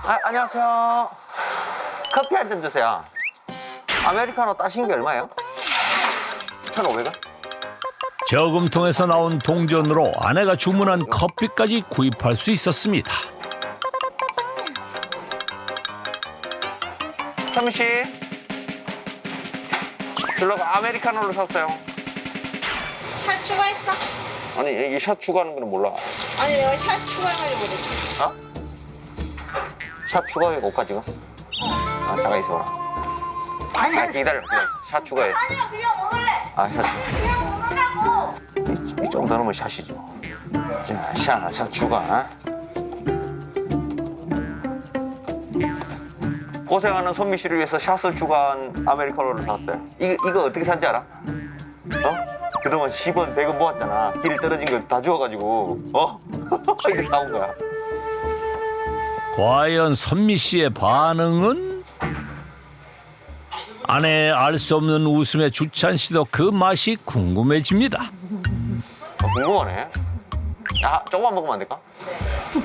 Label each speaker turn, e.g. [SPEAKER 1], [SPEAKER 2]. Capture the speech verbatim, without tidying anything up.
[SPEAKER 1] 아, 안녕하세요. 커피 한 잔 주세요. 아메리카노 따신 게 얼마예요? 천오백 원?
[SPEAKER 2] 저금통에서 나온 동전으로 아내가 주문한 커피까지 구입할 수 있었습니다.
[SPEAKER 1] 선미 씨. 줄라고 아메리카노를 샀어요.
[SPEAKER 3] 샷 추가했어?
[SPEAKER 1] 아니, 이게 샷 추가하는 거는 몰라.
[SPEAKER 3] 아니 내가 샷 추가해가지고 그랬지.
[SPEAKER 1] 어? 샷 추가해, 옷까 지금? 아, 잠깐 있어라.
[SPEAKER 3] 아니
[SPEAKER 1] 아, 기다려, 기다려. 샷 추가해.
[SPEAKER 3] 아니야 그냥 먹을래.
[SPEAKER 1] 아, 샷.
[SPEAKER 3] 그냥 먹으라고.
[SPEAKER 1] 이, 이 정도 넣으면 샷이죠. 자, 샷, 샷 추가. 고생하는 선미 씨를 위해서 샷을 추가한 아메리카노를 샀어요. 이거, 이거 어떻게 산지 알아? 어? 그동안 십 원, 백 원 모았잖아. 길 떨어진 거 다 주워가지고, 어? 이렇게 사온 거야.
[SPEAKER 2] 과연 선미 씨의 반응은? 아내의 알 수 없는 웃음에 주찬 씨도 그 맛이 궁금해집니다.
[SPEAKER 1] 어, 궁금하네. 야, 조금만 먹으면 안 될까?